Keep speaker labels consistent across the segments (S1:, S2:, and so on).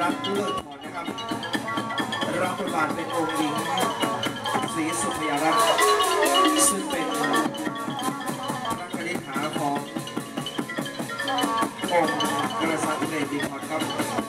S1: รัตน์เลิศพรนะครับรับบทบาทเป็นองค์หญิงศรีสุพยารัตน์ซึ่งเป็นพระคณิษฐาขององค์กษัตริย์เดบิคอนครับ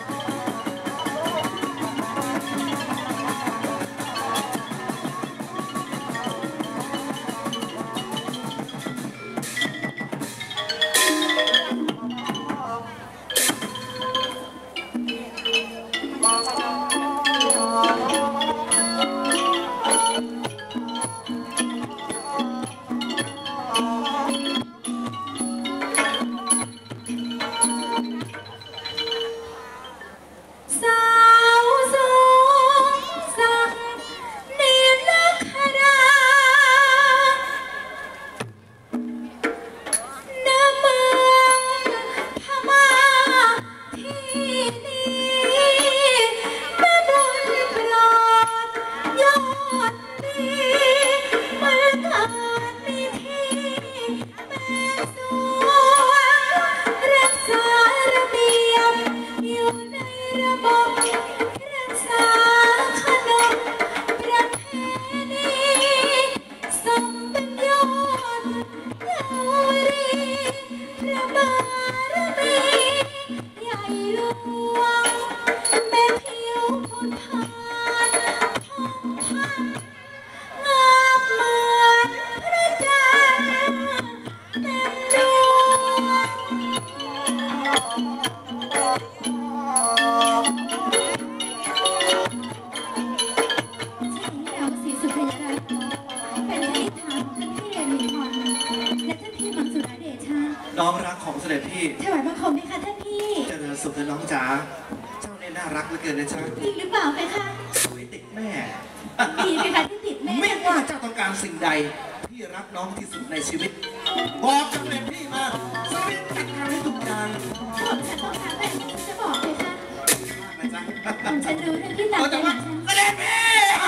S1: น้องรักของเสด็จพี่
S2: ถวายบังคมไหมคะท่านพี่
S1: เจริญสุขเถอะน้องจ๋าเจ้าเนี่ยน่ารักเหลือเกินนะจ๊ะ
S2: จริงหรือเปล่าไหมคะ
S1: สวยติดแม่
S2: ดีไหมคะที่ติดแม่
S1: ไม่ว่าเจ้าต้องการสิ่งใดพี่รักน้องที่สุดในชีวิตบอกเสด็จพี่มาเสด็จจัดการให้ทุกอย่าง
S2: ผมจะต้องการแต่จะบอกเลยค่ะ
S1: นะจ๊ะ
S2: ผมจะรู้เรื่องที่ต่างกันฉัน
S1: เสด็จพี่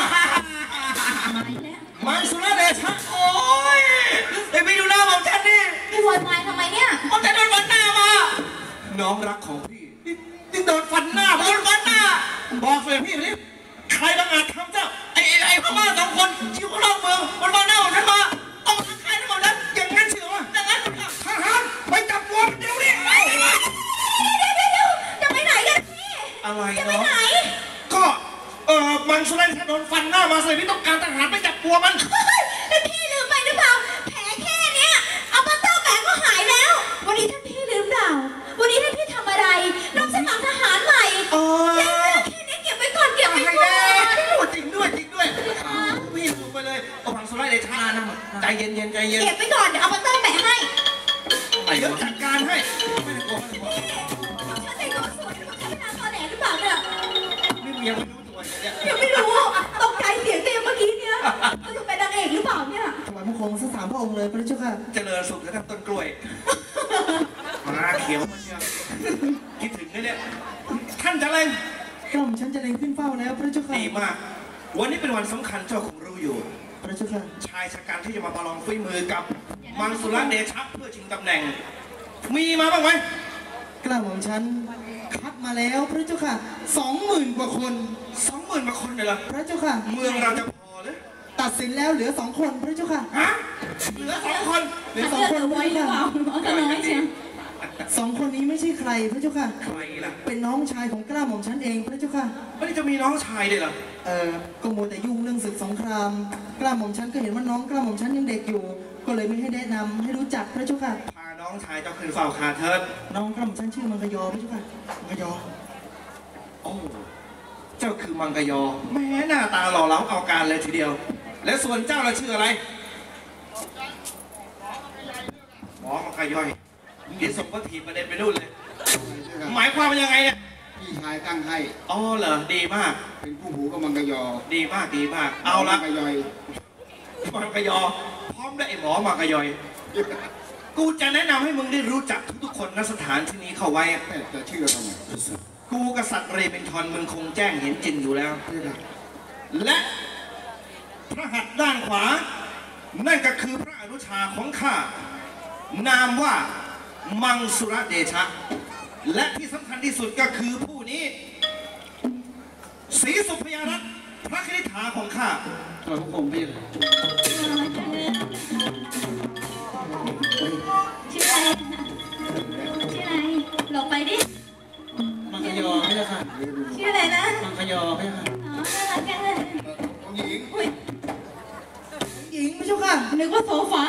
S1: มังสุรเดชะโอ้ยไอ้พี่ดูหน้าของฉันนี่
S2: พี่วอยวายทำไมเนี่ย
S1: ผมจะโดนฟันหน้ามาน้องรักของพี่นี่โดนฟันหน้าบอกเลยพี่นี่ใครบังอาจทำเจ้าไอ้พม่าสองคนชิวข้างนอกเมืองมันมาหน้าของฉันมาต้องมาใครทั้งหมดนั้นอย่างนั้นเชื่อว่าอย่างนั้นทหารไปจับตัวเดี๋ยวนี้
S2: จะไปไหนกันพี่
S1: อะไร
S2: จะไปไหน
S1: ก็มันสุรเดชะโดนฟันหน้ามาเลยพี่ต้องการทหารไปจับตัวมัน
S2: พี่ลืมไปหรือเปล่าแผลแค่เนี้ยเอามาต้มแผลก็หายแล้ววันนี้ท่านพี่ลืมเปล่าวันนี้ท่านพี่ทำอะไรน้องสมัครทหารใหม่แค่นี้เก็บไว้ก่อน
S1: จริงด้วยพี่ลืมไปเลยเอามังสุรเดชะนะใจเย็น
S2: เก็บไว้ก่อนเดี๋ยวเอามาต้มแผลให้
S1: เดี๋ยวจัดการให้ไม่ได้โกง
S2: ฉันแต่งตัวสวยฉันเป็นนางตอแหลหรือเปล่าเนี่ย
S1: นี่ยังไม่รู้ตัวเนี่ย
S2: ยังไม่รู้ตกใจเสียงเต็มเมื่อกี้เนี่ยเขาจะเป็นนางเอกหรือเปล่าเนี่ย
S3: ถวายบังคมสัก3 พระองค์เลยพระเจ้าค่ะ
S1: เจริญสุขกับต้นกล้วยมาเขียวมันเนี่ยคิดถึงเนี่ยท่านจะเล่น
S3: กล่อมฉันจะเล็งขึ้นเฝ้าแล้วพระเจ้าค่ะ
S1: ดีมากวันนี้เป็นวันสำคัญเจ้าคงรู้อยู่
S3: พระเจ้าค่ะ
S1: ชายชะกันที่จะมาประลองฝีมือกับมังสุรเดชะเพื่อชิงตำแหน่งมีมาบ้างไหม
S3: กล่าวของฉันคัดมาแล้วพระเจ้าค่ะ20,000 กว่าคน
S1: 20,000 กว่าคนเลยเหรอ
S3: พระเจ้าค่ะ
S1: เมืองเราจะพอหรือ
S3: ตัดสินแล้วเหลือ2 คนพระเจ้าค่ะ
S1: ฮะเหลือ2 คน
S3: เหลือ2 คน
S2: ไว้หรือเปล่าเอาน้อยเชียว
S3: 2 คนนี้ไม่ใช่ใครพระเจ้าค่ะ
S1: ใครล่ะ
S3: เป็นน้องชายของกล้าหม่อมฉันเองพระเจ้าค่ะ
S1: ไม่ได้จะมีน้องชายเลยเหรอ
S3: ก็มัวแต่ยุ่งเรื่องศึกสงครามกล้าหม่อมฉันก็เห็นว่าน้องกล้าหม่อมฉันยังเด็กอยู่ก็เลยไม่ให้แนะนำให้รู้จักพระเจ้าค่ะ
S1: พาน้องชายเจ้าขึ้นเฝ้าคาเทิด
S3: น้องกล้าหม่อมฉันชื่อมังกรยอพระเจ้าค่ะ
S1: มังกรยอโอ้เจ้าคือมังกรยอแม้หน้าตาหล่อเหลาเอาการเลยทีเดียวและส่วนเจ้าเราชื่ออะไรหมอมังกรยอยนี่ส่งก็ถีบประเด็นไปนู่นเลยหมายความว่ายังไงเนี่ย
S4: พี่ชายตั้งให้
S1: อ๋อเหรอดีมาก
S4: เป็นผู้หูกับมังกรยอ
S1: ดีมากเอาละ
S4: มังกรยอย
S1: มังกรยอพร้อมได้ไอ้หมอมังกรยอยกูจะแนะนำให้มึงได้รู้จักทุกคนณสถานที่นี้เข้าไว้
S4: แต่ชื่อทำไม
S1: กูกษัตริย์เรเบนทอนมึงคงแจ้งเห็นจริงอยู่แล้วและพระหัตถ์ด้านขวานั่นก็คือพระอนุชาของข้านามว่ามังสุรเดชะและที่สำคัญที่สุดก็คือผู้นี้ศรีสุพยารัตน์พระคณิษฐาของข้า
S4: ถวายพระโคมพี่เลย
S2: ชื่ออะไรชื่ออะไรหลบไปดิ
S3: มังคยอไม่ใช่ค่ะ
S2: ชื่ออะไรนะ
S3: มังคยอไม่ใช่ค่ะ
S2: อ๋อน่ารักจังเลย
S4: องค์หญิง
S2: อุ้ย
S3: หญิงไม่ใช่ค่ะ
S2: นึกว่าโซฟา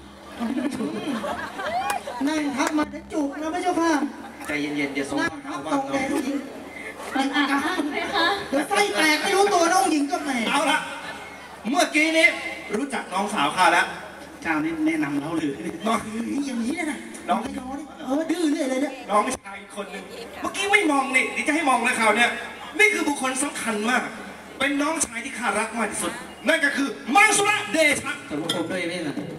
S3: นั่งทับมาจะจุกนะไม่ใช่ค่ะ
S1: ใจเย็นๆเดี๋ยวสง
S3: นั่ง
S1: คราม
S3: ทับ
S1: เข้า
S3: ต
S1: บ้า
S3: รง ง
S1: เนาะ
S3: แดงหญิง
S2: มันอ่ะไหมคะ
S3: เดี๋ยวไส้แตกไม่รู้ตัวน้องหญิงก็แหม
S1: เอาละเมื่อกี้นี้รู้จักน้องสาวข้าแล้ว
S4: เจ้านี่แนะนำเราหรือ
S1: น้อง
S3: อย่างนี้เลยนะ
S1: น้อง
S3: มังคยอนี่ดื้อเรื่อยเลยเนี่ย
S1: น้องชายอีกคนหนึ่งเมื่อกี้ไม่มองนี่เดี๋ยวจะให้มองเลยข่าวเนี่ยนี่คือบุคคลสำคัญมาก เป็นน้องชายที่ข้ารักมากที่สุด นั่นก็คือมังสุระเดชะ
S3: ถวายพระโคมด้วยไม่ใช่ค่ะ